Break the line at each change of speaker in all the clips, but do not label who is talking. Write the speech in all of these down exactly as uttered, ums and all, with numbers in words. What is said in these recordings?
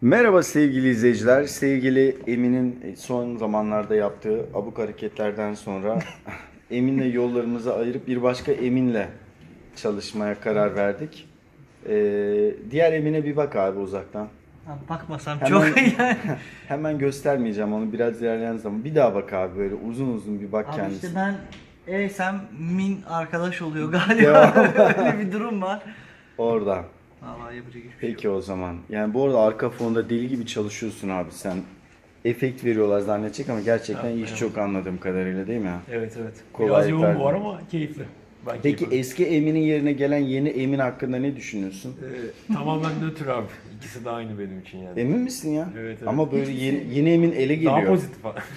Merhaba sevgili izleyiciler. Sevgili Emin'in son zamanlarda yaptığı abuk hareketlerden sonra Emin'le yollarımızı ayırıp bir başka Emin'le çalışmaya karar verdik. Ee, diğer Emin'e bir bak abi uzaktan.
Ha, bakmasam
Hemen-
çok iyi yani.
Hemen göstermeyeceğim onu, biraz ilerleyen zaman. Bir daha bak abi, böyle uzun uzun bir bak
Abi
kendisine.
işte ben Eysem Min arkadaş oluyor galiba. Öyle bir durum var.
Oradan.
Vallahi yapacak hiçbir şey yok.
Peki o zaman. Yani bu arada arka fonda deli gibi çalışıyorsun abi sen. Efekt veriyorlar zannedecek ama gerçekten iş çok, anladığım kadarıyla, değil mi?
Evet evet.
Kolaylıklar
Biraz yoğun bu
diliyorum.
var ama keyifli. Ben
Peki
keyif alıyorum.
eski Emin'in yerine gelen yeni Emin hakkında ne düşünüyorsun?
Ee, tamamen nötr abi. İkisi de aynı benim için yani.
Emin misin ya?
Evet, evet.
Ama böyle yeni, yeni Emin ele geliyor.
Daha pozitif abi.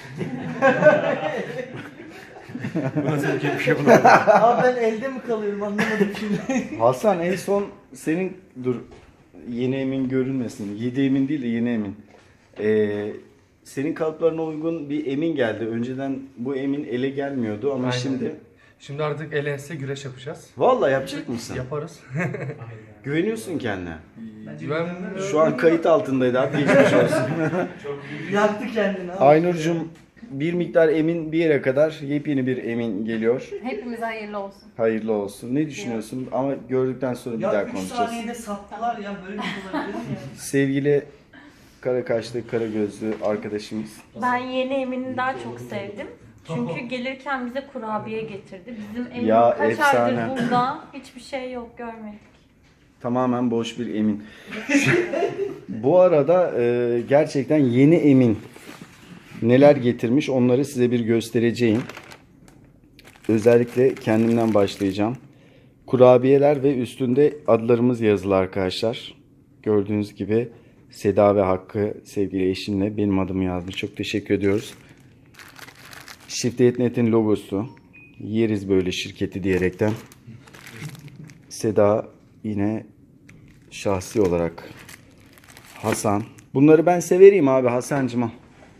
Bu nasıl bir bir şey bulamadım.
Abi ben elde mi kalıyorum anlamadım şimdi.
Hasan, en son senin, dur yeni Emin görünmesin. Yedi Emin değil de yeni Emin. Ee, senin kalıplarına uygun bir Emin geldi. Önceden bu Emin ele gelmiyordu ama
Aynen.
şimdi...
Şimdi artık el ense güreş yapacağız.
Vallahi yapacak mısın?
Yaparız.
Güveniyorsun kendine.
Güven
Şu an kayıt altındaydı abi, geçmiş olsun.
Yaktı kendini abi.
Aynur'cum, bir miktar Emin bir yere kadar, yepyeni bir Emin geliyor.
Hepimize hayırlı olsun.
Hayırlı olsun. Ne düşünüyorsun? Ama gördükten sonra bir
Ya
daha
üç
konuşacağız.
saniyede sattılar ya, böyle bir şey olabilir mi ya?
Sevgili kara kaşlı, kara gözlü arkadaşımız.
Ben yeni Emin'i daha çok sevdim. Çünkü gelirken bize kurabiye getirdi. Bizim Emin
Ya,
kaç
efsane.
aydır burada. Hiçbir şey yok, görmedik.
Tamamen boş bir Emin. Bu arada e, gerçekten yeni Emin neler getirmiş, onları size bir göstereceğim. Özellikle kendimden başlayacağım. Kurabiyeler ve üstünde adlarımız yazılı arkadaşlar. Gördüğünüz gibi Seda ve Hakkı sevgili eşimle benim adımı yazmış. Çok teşekkür ediyoruz. Shift Net'in logosu. Yeriz böyle şirketi diyerekten. Seda yine şahsi olarak. Hasan. Bunları ben severeyim abi Hasancığım.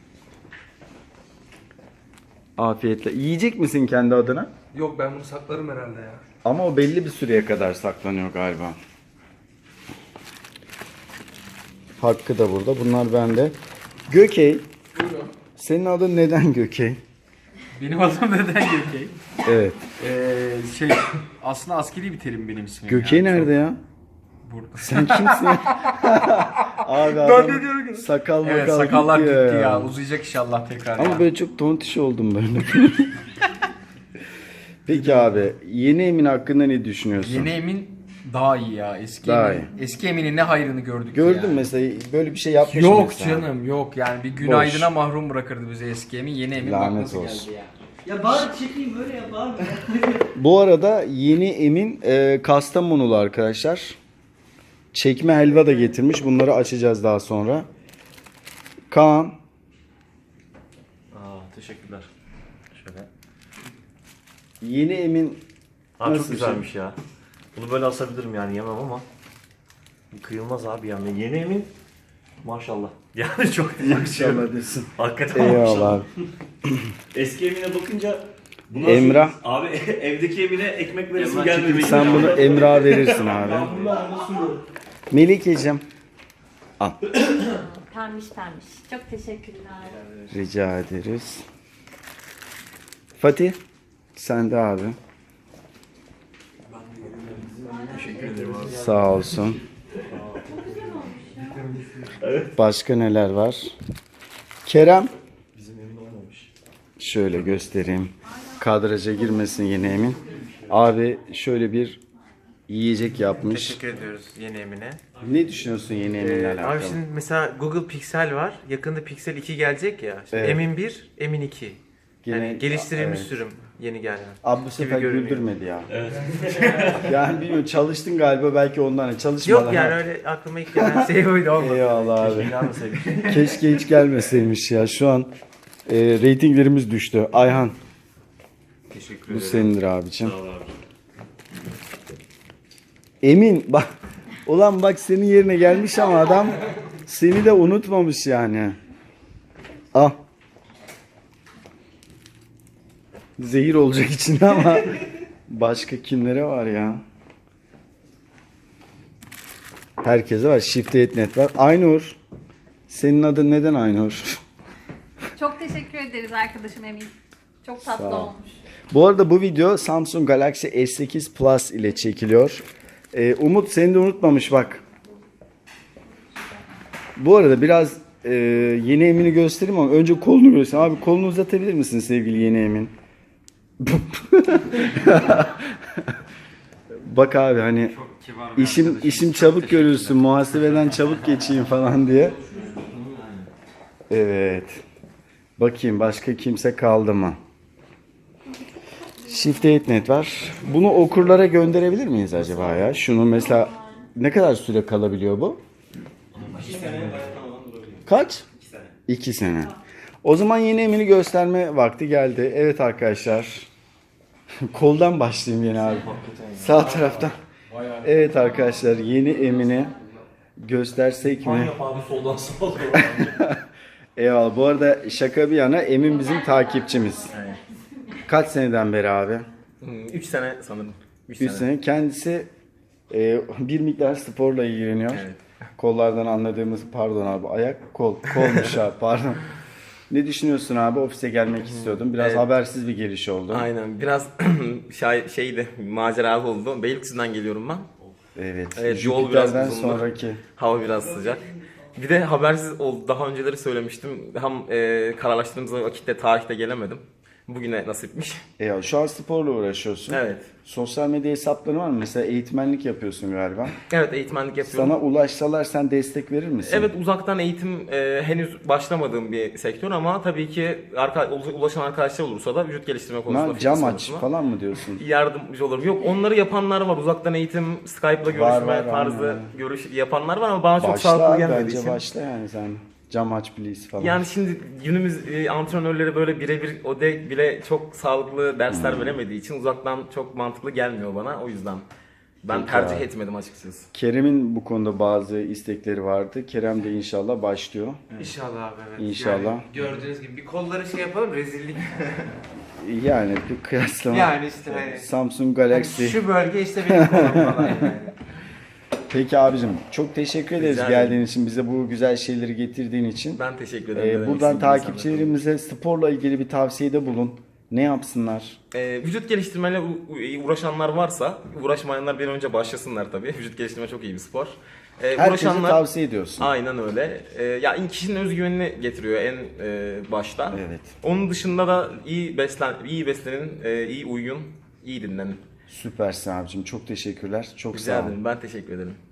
Afiyetle. Yiyecek misin kendi adına?
Yok, ben bunu saklarım herhalde ya.
Ama o belli bir süreye kadar saklanıyor galiba. Hakkı da burada. Bunlar bende. Gökey. Senin adın neden Gökey?
Benim adım neden Gökey?
Evet.
Ee, şey aslında askeri bir terim benim ismim.
Gökey
yani.
nerede ya?
Burada.
Sen kimsin ya? Abi
Ben
adam
de diyorum ki-
sakal makal
Evet sakallar gitti ya.
ya.
Uzayacak inşallah tekrar
Ama
ya.
böyle çok tontiş oldum böyle. Peki abi, yeni Emin hakkında ne düşünüyorsun?
Yeni Emin daha iyi ya. Eski
Daha
Emin. Eski Emin'in ne hayrını gördük
Gördün
yani.
mesela böyle bir şey yapmış
Yok
mesela.
canım yok, yani bir günaydına mahrum bırakırdı bizi eski Emin. Yeni Emin
Lanet
bak nasıl
olsun.
geldi ya.
Ya bari çekeyim böyle yap abi.
Bu arada yeni Emin e, Kastamonulu arkadaşlar. Çekme helva da getirmiş. Bunları açacağız daha sonra. Kaan.
Aa, teşekkürler. Şöyle.
Yeni Emin
Aa,
nasıl
çok
bir şey?
güzelmiş ya. Bunu böyle asabilirim yani, yemem ama. Bu kıyılmaz abi yani. Yeni Emin maşallah. Yani çok yakışıyor.
İnşallah desin.
Hakikaten
Eyvallah
maşallah.
abi.
Eski Emin'e bakınca bu nasıl-
Emrah.
Abi evdeki Emin'e ekmek veresim
Emrah
gelmedi.
Sen bunu Emrah'a verirsin abi. Melikeciğim. Al.
Pembiş pembiş. Çok teşekkürler.
Rica ederiz. Fatih. Sen de abi. Sağ olsun. Başka neler var? Kerem. Şöyle göstereyim. Kadraja girmesin yeni Emin. Abi şöyle bir yiyecek yapmış.
Teşekkür ediyoruz yeni Emin'e.
Ne düşünüyorsun yeni Emin'le
Ee,
alakalı?
abi şimdi mesela Google Pixel var. Yakında Pixel iki gelecek ya. Şimdi
Evet.
Emin bir, Emin iki.
Gene-
Yani geliştirilmiş
evet.
sürüm yeni gelen.
Abi bu sefer
görünüyor.
güldürmedi ya. Yani bilmiyorum, çalıştın galiba belki ondan. Çalışmadan.
Yok yani öyle aklıma ilk gelen şey buydu, olmadı.
Eyvallah abi.
Gelmeseydik.
Keşke hiç gelmeseymiş ya. Şu an e, reytinglerimiz düştü. Ayhan,
Teşekkür
bu
ederim.
senindir abicim.
Sağ ol abi.
Emin bak. Ulan bak, senin yerine gelmiş ama adam seni de unutmamış yani. Al. Zehir olacak içinde ama başka kimlere var ya? Herkese var. Shift Net var. Aynur. Senin adın neden Aynur?
Çok teşekkür ederiz arkadaşım Emin. Çok tatlı
Sağ ol.
olmuş.
Bu arada bu video Samsung Galaxy S sekiz Plus ile çekiliyor. Ee, Umut seni de unutmamış bak. Bu arada biraz e, yeni Emin'i göstereyim ama önce kolunu göster. Abi kolunu uzatabilir misin sevgili yeni Emin? Bak abi hani işim işim çabuk görülsün, muhasebeden çabuk geçeyim falan diye. Evet. Bakayım başka kimse kaldı mı? Shift eight net var. Bunu okurlara gönderebilir miyiz acaba ya? Şunu mesela ne kadar süre kalabiliyor bu? Kaç? İki sene. O zaman yeni Emin'i gösterme vakti geldi. Evet arkadaşlar. Koldan başlayayım yine abi. Sağ taraftan. Evet arkadaşlar yeni Emin'i göstersek mi?
Yap abi soldan sağa doğru.
Eyvallah. Bu arada şaka bir yana Emin bizim takipçimiz. Kaç seneden beri abi?
üç sene sanırım.
üç sene. Kendisi e, bir miktar sporla ilgileniyor.
Evet.
Kollardan anladığımız pardon abi ayak kol kolmuş abi pardon. Ne düşünüyorsun abi? Ofise gelmek istiyordum. Biraz
Evet.
habersiz bir geliş oldu.
Aynen biraz şey, şeydi maceralı oldu. Beylikdüzü'nden geliyorum ben.
Evet.
Evet, yol biraz
Jüpiter'den
uzundu.
sonraki.
Hava biraz sıcak. Bir de habersiz oldu. Daha önceleri söylemiştim. Hem e, kararlaştırdığımız vakitte tarihte gelemedim. Bugüne nasipmiş.
E, şu an sporla uğraşıyorsun.
Evet.
Sosyal medya hesapları var mı? Mesela eğitmenlik yapıyorsun galiba.
Evet eğitmenlik yapıyorum.
Sana ulaşsalar sen destek verir misin?
Evet uzaktan eğitim e, henüz başlamadığım bir sektör ama tabii ki arka, ulaşan arkadaşlar olursa da vücut geliştirme konusunda
Ama cam
fitness
aç
konusunda
falan mı diyorsun?
yardımcı olurum. Yok onları yapanlar var. Uzaktan eğitim, Skype'la görüşme
Var, var,
tarzı
aynen.
görüş yapanlar var ama bana çok
Başla
sağlıklı
abi,
gelmediği
bence
için.
başla yani sen. Cam aç please falan.
Yani şimdi günümüz e, antrenörleri böyle birebir o de bile çok sağlıklı dersler
Hmm.
veremediği için uzaktan çok mantıklı gelmiyor bana. O yüzden ben
Peki
tercih
abi.
etmedim açıkçası.
Kerem'in bu konuda bazı istekleri vardı. Kerem de inşallah başlıyor.
İnşallah abi evet.
İnşallah.
Yani gördüğünüz gibi bir kolları şey yapalım rezillik.
Yani bir kıyaslama.
Yani işte hani-
Samsung Galaxy.
Şu bölge işte benim kolum falan yani.
Peki abicim çok teşekkür ederiz
Rica ederim.
geldiğin için, bize bu güzel şeyleri getirdiğin için.
Ben teşekkür
Ee,
ederim.
buradan
Eksik
takipçilerimize sporla ilgili bir tavsiyede bulun. Ne yapsınlar?
Ee, vücut geliştirmeyle u- u- uğraşanlar varsa, uğraşmayanlar bir an önce başlasınlar tabii. Vücut geliştirme çok iyi bir spor. Ee,
Herkese tavsiye ediyorsun.
Aynen öyle. Ee, ya kişinin özgüvenini getiriyor en e, başta.
Evet.
Onun dışında da iyi beslen, iyi beslenin, e, iyi uyuyun, iyi dinlenin.
Süpersin abicim. Çok teşekkürler. Çok
Rica
sağ ol.
ederim. Ben teşekkür ederim.